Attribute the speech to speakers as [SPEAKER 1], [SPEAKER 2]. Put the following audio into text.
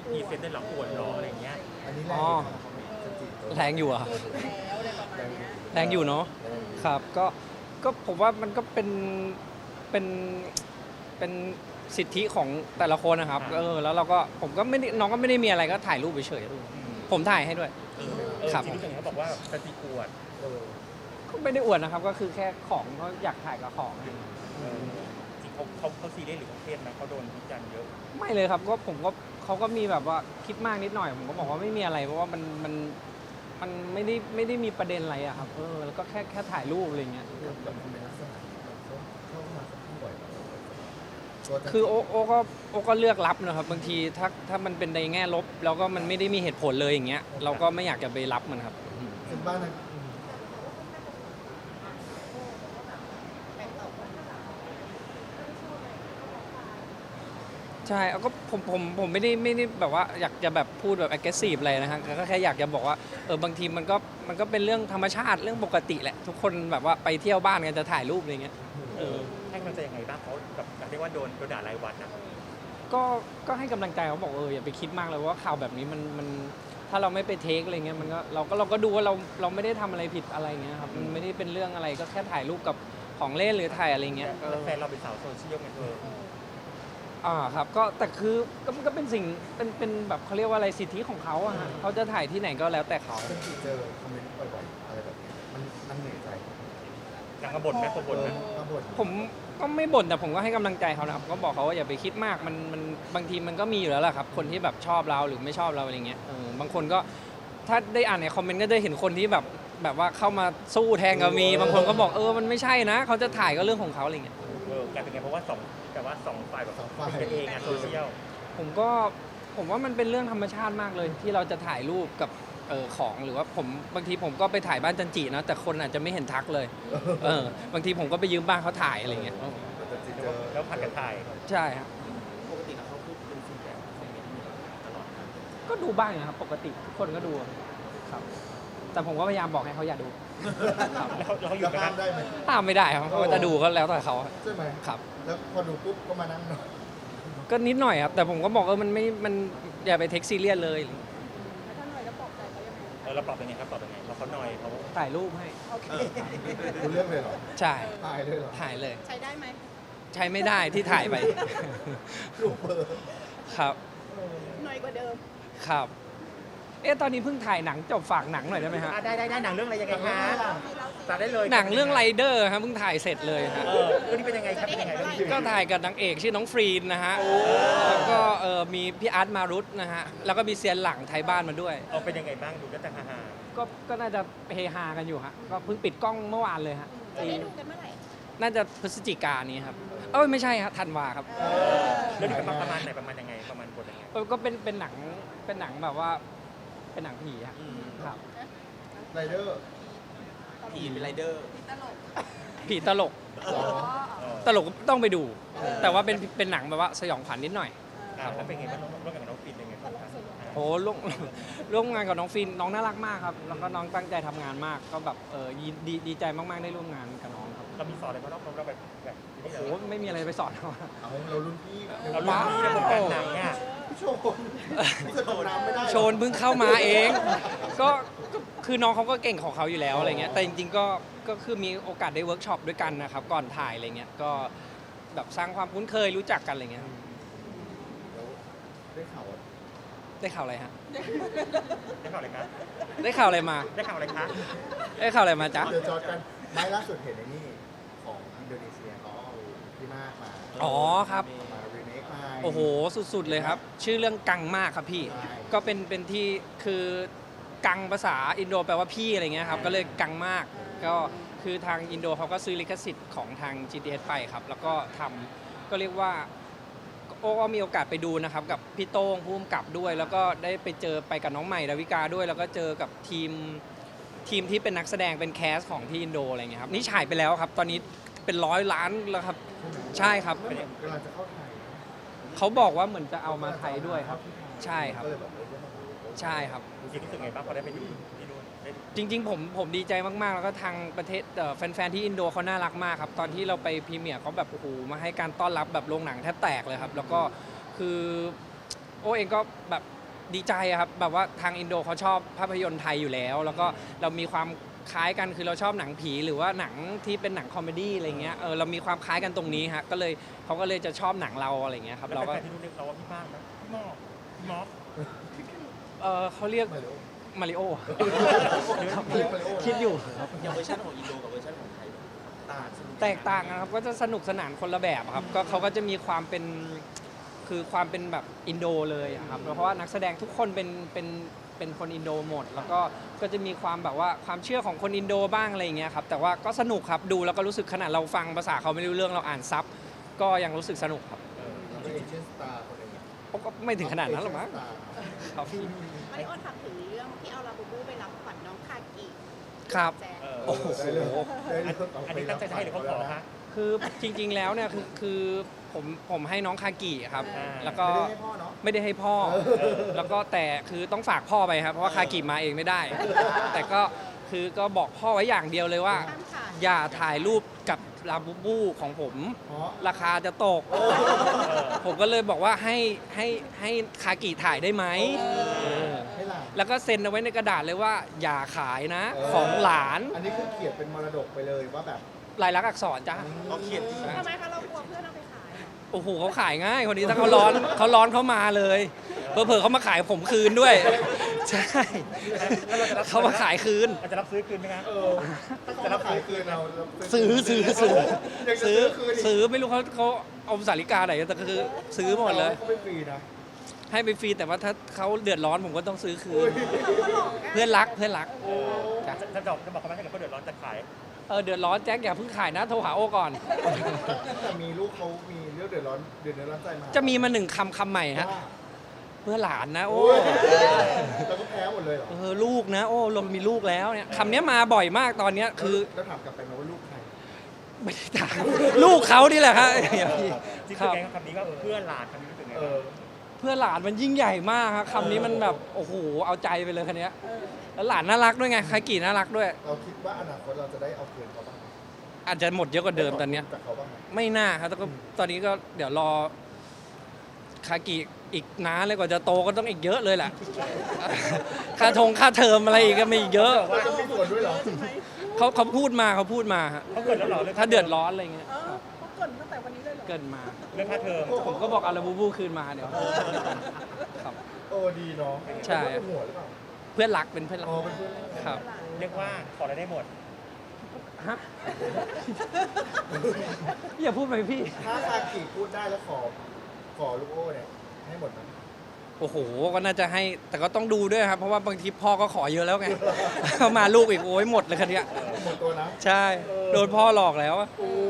[SPEAKER 1] พรีเซนต์ได้หรออวดหรออะไรเงี้ย
[SPEAKER 2] อันนี้
[SPEAKER 3] อ๋อแรงอยู่อะแรงอยู่เนาะครับก็ผมว่ามันก็เป็นเป็นสิทธิของแต่ละคนนะครับแล้วเราก็ผมก็ไม่ได้น้องก็ไม่ได้มีอะไรก็ถ่ายรูปเฉยๆผมถ่ายให้ด้วยครับ
[SPEAKER 1] จริงๆเขาบอกว่าสติอวด
[SPEAKER 3] ก็ไม่ได้อวดนะครับก็คือแค่ของเขาอยากถ่ายกับของ
[SPEAKER 1] จริงเขาซีเรียสหรือเขาเครียดนะเขาโดนวิจารณ์เยอะ
[SPEAKER 3] ไม่เลยครับก็ผมก็เขาก็มีแบบว่าคิดมากนิดหน่อยผมก็บอกว่าไม่มีอะไรเพราะว่ามันไม่ได้มีประเด็นอะไรอะครับแล้วก็แค่ถ่ายรูปอะไรเงี้ยคือโอก็เลือกรับนะครับบางทีถ้ามันเป็นในแง่ลบแล้วก็มันไม่ได้มีเหตุผลเลยอย่างเงี้ยเราก็ไม่อยากจะไปรับมันครับ
[SPEAKER 2] ซึ่งบ้านนั้น
[SPEAKER 3] ใช่ก็ผมไม่ได้แบบว่าอยากจะแบบพูดแบบ aggressive อะไรนะฮะก็แค่อยากจะบอกว่าบางทีมันก็เป็นเรื่องธรรมชาติเรื่องปกติแหละทุกคนแบบว่าไปเที่ยวบ้านกันจะถ่ายรูปอะไรเงี้ย
[SPEAKER 1] ให้กำลังใจยังไงบ้างเขาแบบเรียกว่าโดนด่ารายวันนะ
[SPEAKER 3] ก็ให้กำลังใจเขาบอกอย่าไปคิดมากเลยว่าข่าวแบบนี้มันถ้าเราไม่ไปเทคอะไรเงี้ยมันก็เราก็ดูว่าเราไม่ได้ทำอะไรผิดอะไรเงี้ยครับมันไม่ได้เป็นเรื่องอะไรก็แค่ถ่ายรูปกับของเล่นหรือถ่ายอะไรเงี้ย
[SPEAKER 1] แล้วแฟนเราเป็นสาวโซเชียลไง
[SPEAKER 3] ครับก็แต่คือก็เป็นสิ่งเป็นแบบเขาเรียกว่าอะไรสิทธิของเขาอะฮะเขาจะถ่ายที่ไหนก็แล้วแต่เขา
[SPEAKER 2] เจอคอมเมนต์บ่อยๆอะไรแบบนี้มันเหนื่อยใจ
[SPEAKER 1] ยังกระบ่นไหมกระบ่นไหม
[SPEAKER 3] ผมก็ไม่บ่นแต่ผมก็ให้กำลังใจเขานะครับก็บอกเขาว่าอย่าไปคิดมากมันบางทีมันก็มีอยู่แล้วแหละครับคนที่แบบชอบเราหรือไม่ชอบเราอะไรเงี้ยบางคนก็ถ้าได้อ่านในคอมเมนต์ก็ได้เห็นคนที่แบบว่าเข้ามาสู้แทนก็มีบางคนก็บอกมันไม่ใช่นะเขาจะถ่ายก็เรื่องของเขาอะไรเงี้ย
[SPEAKER 1] กลายเป็นไงเพราะว่าสองฝ่ายแบบเป็นเองอะโซเชียล
[SPEAKER 3] ผมว่ามันเป็นเรื่องธรรมชาติมากเลยที่เราจะถ่ายรูปกับของหรือว่าบางทีผมก็ไปถ่ายบ้านจันจีนะแต่คนอาจจะไม่เห็นทักเลยบางทีผมก็ไปยืมบ้านเขาถ่ายอะไรเงี้ย
[SPEAKER 1] แล้วผัดกันถ่าย
[SPEAKER 3] ใช่ครับ
[SPEAKER 1] ปกติเขาพูดเป็นฟีดแบ็กตลอด
[SPEAKER 3] ก็ดูบ้างนะครับปกติทุกคนก็ดูครับแต่ผมก็พยายามบอกให้เขาอย่าดู
[SPEAKER 1] แล้วเขาอยู่กัน
[SPEAKER 2] ได้ไหม
[SPEAKER 3] ห้ามไม่ได้ครับเขาจะดูก็แล้วแต่เขา
[SPEAKER 2] ใช่ไหม
[SPEAKER 3] ครับ
[SPEAKER 2] แล้วพอดูปุ๊บก็มานั่งหน่อย
[SPEAKER 3] ก็นิดหน่อยครับแต่ผมก็บอกมันอย่าไปเทคซีเรียสเลย
[SPEAKER 1] เราปรับยังไงครับปรับยังไงเราเขาหน่อยเขา
[SPEAKER 3] ถ่ายรูปให้
[SPEAKER 2] คุณเลือกเลยเหรอ
[SPEAKER 3] ใช่
[SPEAKER 2] ถ่ายเลยเหรอ
[SPEAKER 3] ถ่ายเลย
[SPEAKER 4] ใช้ได้ไหม
[SPEAKER 3] ใช้ไม่ได้ที่ถ่ายไป
[SPEAKER 2] รูปเบอร์
[SPEAKER 3] ครับ
[SPEAKER 4] หน่อยกว่าเดิม
[SPEAKER 3] ครับตอนนี้เพิ่งถ่ายหนังจบฝากหนังหน่อยได้ไหมฮะ
[SPEAKER 1] ได้หนังเรื่องอะไรยังไงคะตัดได้เลย
[SPEAKER 3] หนังเรื่องไรเดอร์ครับเพิ่งถ่ายเสร็จเลยฮะ
[SPEAKER 1] เรื่องนี้เป็นยังไงครับเป็นยังไง
[SPEAKER 3] ก็ถ่ายกับนางเอกชื่อน้องฟรีนนะฮะแล้วก็มีพี่อาร์ตมารุตนะฮะแล้วก็มีเซียนหลังไทยบ้านมาด้วย
[SPEAKER 1] เป็นยังไงบ้างดูก็จะฮา
[SPEAKER 3] ก็น่าจะเฮฮากันอยู่ฮะก็เพิ่งปิดกล้องเมื่อวานเลยฮะ
[SPEAKER 4] จะได้ดูกันเมื่อไหร่
[SPEAKER 3] น่าจะพฤศจิกายนนี้ครับไม่ใช่ครับธันวาครับ
[SPEAKER 1] เรื่องนี้ประมาณไหนประมาณยังไงประมาณบทยังไง
[SPEAKER 3] ก็เป็นหนังแบบว่าเป็นหนังผีครับ
[SPEAKER 2] ไรเดอร์
[SPEAKER 1] ผีเป็นไรเดอร์
[SPEAKER 3] ผีตลกตลกต้องไปดูแต่ว่าเป็นหนังแบบว่าสยองขวัญนิดหน่อย
[SPEAKER 1] ครับแล้วเป็นไงบ้างร่วมกับน้องฟินเป็นไงบ้าง
[SPEAKER 3] โอ้ร่วมงานกับน้องฟินน้องน่ารักมากครับแล้วก็น้องตั้งใจทำงานมากก็แบบดีใจมากๆได้ร่วมงานกับน้องครับ
[SPEAKER 1] เรามีสอนอะไรบ้างเราแบบ
[SPEAKER 3] โอ้ไม่มีอะไรไปสอนเขา
[SPEAKER 2] เรารุ่นพี่
[SPEAKER 1] ในวงการหนังเนี่ย
[SPEAKER 2] โช
[SPEAKER 3] โชนเพิ่งเข้ามาเองก็คือน้องเขาก็เก่งของเขาอยู่แล้วอะไรเงี้ยแต่จริงๆก็คือมีโอกาสได้เวิร์กช็อปด้วยกันนะครับก่อนถ่ายอะไรเงี้ยก็แบบสร้างความคุ้นเคยรู้จักกันอะไรเงี้ยได้ข่าวอะไรฮะ
[SPEAKER 1] ได้ข่าวอะไรครับ
[SPEAKER 3] ได้ข่าวอะไรมา
[SPEAKER 1] ได้ข่าวอะไรคะ
[SPEAKER 3] ได้ข่าวอะไรมาจ๊ะ
[SPEAKER 2] เดี๋ยวจอดกันไม่ล่าสุดเห็นในนี่ของอินโดนีเซียเขาเอาพี่มากมา
[SPEAKER 3] ครับ
[SPEAKER 2] มารีเมคมา
[SPEAKER 3] โอ้โหสุดๆเลยครับชื่อเรื่องกังมากครับพี่ก็เป็นที่คือกังภาษาอินโดแปลว่าพี่อะไรเงี้ยครับก็เลยกังมากก็คือทางอินโดเขาก็ซื้อลิขสิทธิ์ของทาง GTS ไปครับแล้วก็ทำก็เรียกว่าก็มีโอกาสไปดูนะครับกับพี่โต้งผู้กำกับด้วยแล้วก็ได้ไปกับน้องใหม่ดาวิกาด้วยแล้วก็เจอกับทีมที่เป็นนักแสดงเป็นแคสของที่อินโดอะไรเงี้ยครับนี่ฉายไปแล้วครับตอนนี้เป็น100 ล้านแล้วครับใช่ครับ
[SPEAKER 2] กำลังจะเข้าไทย
[SPEAKER 3] เขาบอกว่าเหมือนจะเอามาไทยด้วยครับใช่ครับใช่ครับ
[SPEAKER 1] จริงๆรู้สึกไงบ้างพอได้ไปดูที่นู่น
[SPEAKER 3] จริงๆผมดีใจมากๆแล้วก็ทางประเทศแฟนๆที่อินโดเขาน่ารักมากครับตอนที่เราไปพรีเมียร์เขาแบบโอ้โหมาให้การต้อนรับแบบโรงหนังแทบแตกเลยครับแล้วก็คือโอเองก็แบบดีใจอะครับแบบว่าทางอินโดเขาชอบภาพยนตร์ไทยอยู่แล้ว แล้วก็เรามีความคล้ายกันคือเราชอบหนังผีหรือว่าหนังที่เป็นหนังคอมเมดี้อะไรเงี้ยเรามีความคล้ายกันตรงนี้ฮะก็เลยเขาก็เลยจะชอบหนังเราอะไรเงี้ยครับ
[SPEAKER 1] แล้ว
[SPEAKER 3] เราก็
[SPEAKER 1] แฟนๆที่นู่นเรียกเราว่าพี่ป้างนะพี่หมอกพี่หมอก
[SPEAKER 3] เขาเรียก
[SPEAKER 2] มาริโอ
[SPEAKER 3] มาริโอ
[SPEAKER 2] เรียกมาริโอ
[SPEAKER 3] คิดอยู่ครับ
[SPEAKER 5] อย่างเวอร์ชันของอินโดกับเวอร์ชันของไทยต่างสนุก
[SPEAKER 3] แตกต่างกันครับก็จะสนุกสนานคนละแบบครับก็เขาก็จะมีความเป็นคือความเป็นแบบอินโดเลยอะครับเพราะว่านักแสดงทุกคนเป็นคนอินโดหมด แล้วก็จะมีความแบบว่าความเชื่อของคนอินโดบ้างอะไรอย่างเงี้ยครับแต่ว่าก็สนุกครับดูแล้วก็รู้สึกขนาดเราฟังภาษาเขาไม่รู้เรื่องเราอ่านซับก็ยังรู้สึกสนุกครับ
[SPEAKER 2] เราเป็นเอเชียนสตาร์คนหนึ่ง
[SPEAKER 3] ก็ไม่ถึงขนาดนั้นหรอกมั้งครับพี่
[SPEAKER 4] มาริโอถามถึงเรื่องที่เอาลาบูบูไปรับขวัญน้องคากิ
[SPEAKER 3] ครับ
[SPEAKER 4] แจ๊ค
[SPEAKER 3] โอ้โห
[SPEAKER 1] อันนี้ตั้งใจจะให้หรือเขาขอฮะ
[SPEAKER 3] คือจริงๆแล้วเนี่ยคือผมให้น้องคากิครับ
[SPEAKER 1] อ่า
[SPEAKER 3] แล้วก็
[SPEAKER 2] ไม่ได้ให้พ่อเนาะ
[SPEAKER 3] ไม่ได้ให้พ่อ แล้วก็แต่คือต้องฝากพ่อไปครับเพราะว่าคากิมาเองไม่ได้ แต่ก็คือก็บอกพ่อไว้อย่างเดียวเลยว่า
[SPEAKER 4] ห้ามถ่าย
[SPEAKER 3] อย่าถ่ายรูปกับลาบูบูของผม
[SPEAKER 2] เพราะ
[SPEAKER 3] ราคาจะตก ผมก็เลยบอกว่าให้คากิถ่ายได้ไหมเออ
[SPEAKER 2] ให้หลาน
[SPEAKER 3] แล้วก็เซ็นเอาไว้ในกระดาษเลยว่า อย่าขายนะของหลาน
[SPEAKER 2] อันนี้คือเขียนเป็นมรดกไปเลยว่าแบบ
[SPEAKER 3] ลายลักษณ์อักษรจ้า
[SPEAKER 5] เขาเขียนจริง
[SPEAKER 4] ทำไมคะเรากลัวเพื่อนเอาไปขายเหรอ
[SPEAKER 3] โอ้โหเขาขายง่ายคนนี้ถ้าเขาร้อนเขามาเลยเผลอๆเขามาขายผมคืนด้วย ใช่
[SPEAKER 1] แล้วเราจะรับ
[SPEAKER 3] เขามาขายคืน
[SPEAKER 1] เราจะรับซื้อคืนไหมครับ
[SPEAKER 2] ถ้าเขามาขายคืนเรา
[SPEAKER 3] ซื้อ
[SPEAKER 2] ยังจะซื้อคืนอีก
[SPEAKER 3] ซื้อไม่รู้เขาเอาสาริกาไหนแต่ก็คือซื้อหมดเลย
[SPEAKER 2] เขาไม่ฟรีนะ
[SPEAKER 3] ให้ไปฟรีแต่ว่าถ้าเขาเดือดร้อนผมก็ต้องซื้อคื
[SPEAKER 2] อุ้
[SPEAKER 3] น
[SPEAKER 2] ย
[SPEAKER 3] เพื่อนรักจ้ะ
[SPEAKER 1] จะบอกเขาไหมถ้าเกิดเขาเดือดร้อนจะขาย
[SPEAKER 3] เดือดร้อนแจ็คอย่าเพิ่งขายนะโทรหาโอก่อน
[SPEAKER 2] แต่มีลูกเขามีเรื่องเดือดร้อนใจมา
[SPEAKER 3] จะมีมาหนึ่งคำใหม่ฮะ
[SPEAKER 2] ว่า
[SPEAKER 3] เพื่อหลานนะโอ้
[SPEAKER 2] โอ้ยเราก็แพ้หมดเลยเหรอ
[SPEAKER 3] ลูกนะโอ้เรามีลูกแล้วเนี่ยคำนี้มาบ่อยมากตอนเนี้ยคือ
[SPEAKER 2] แล้วถามกลับไปไหมว่าลูกใคร
[SPEAKER 3] ไม่ได้ถามลูกเขานี่แหละครับ
[SPEAKER 1] จริง
[SPEAKER 3] ครับ
[SPEAKER 1] ๆแกงคำนี้ว่าเพื่อนหลานคำนี้รู้สึกไง
[SPEAKER 2] เอ
[SPEAKER 1] บ้าง
[SPEAKER 2] อ
[SPEAKER 3] เพื่อหลานมันยิ่งใหญ่มากครับคำนี้มันแบบโอ้โหเอาใจไปเลยคันนี้ยแล้วหลานน่ารักด้วยไงคากิน่ารักด้วย
[SPEAKER 2] เราคิดว่าอนาคตเราจะได้เอาคืนเขาบ้างไหม
[SPEAKER 3] อาจจะหมดเยอะกว่าเดิมตอนเนี้ย
[SPEAKER 2] จากเขาบ้างไหม
[SPEAKER 3] ไม่น่าครับแต่ก็ตอนนี้ก็เดี๋ยวรอคากิอีกนานเลยกว่าจะโตก็ต้องอีกเยอะเลยแหละ ค่าเทอมอะไรอีกก็มีอีกเยอะ
[SPEAKER 2] ว่าจะมีส่วนด้วยเหรอ
[SPEAKER 3] เขาพูดมาฮะ
[SPEAKER 1] เขาเกิดแล้วเหรอ
[SPEAKER 3] ถ้าเดือดร้อนอะไรเงี้ย
[SPEAKER 4] เออเขาเกรินตั้งแต่วันนี้เลยเหรอ
[SPEAKER 3] เกินมา
[SPEAKER 1] เรื่องค่าเทอม
[SPEAKER 3] ผมก็บอกเอาลาบูบูคืนมาเดี๋ยวครับ
[SPEAKER 2] โอ้ดีเนาะ
[SPEAKER 3] ใช่
[SPEAKER 2] เป็นหัวหรือเปล่า
[SPEAKER 3] เพื่อนรักเป็นเพื่อนรัก
[SPEAKER 2] อ๋อเป็นเพื่อน
[SPEAKER 3] ครับ
[SPEAKER 1] เรียกว่าขออะไรได้หมด
[SPEAKER 3] ฮะ อย่าพูดไปพี่
[SPEAKER 2] ถ้าคากิพูดได้แล้วขอลูกโอ้เนี่ยให้หมดไหม
[SPEAKER 3] โอ้โห ก็น่าจะให้ แต่ก็ต้องดูด้วยครับ เพราะว่าบางทีพ่อก็ขอเยอะแล้วไง เขามาลูกอีกโอ้ยหมดเลยคันเนี้ย
[SPEAKER 2] หมดตัวนะ
[SPEAKER 3] ใช่ โดนพ่อหลอกแล้วอะ
[SPEAKER 2] โอ้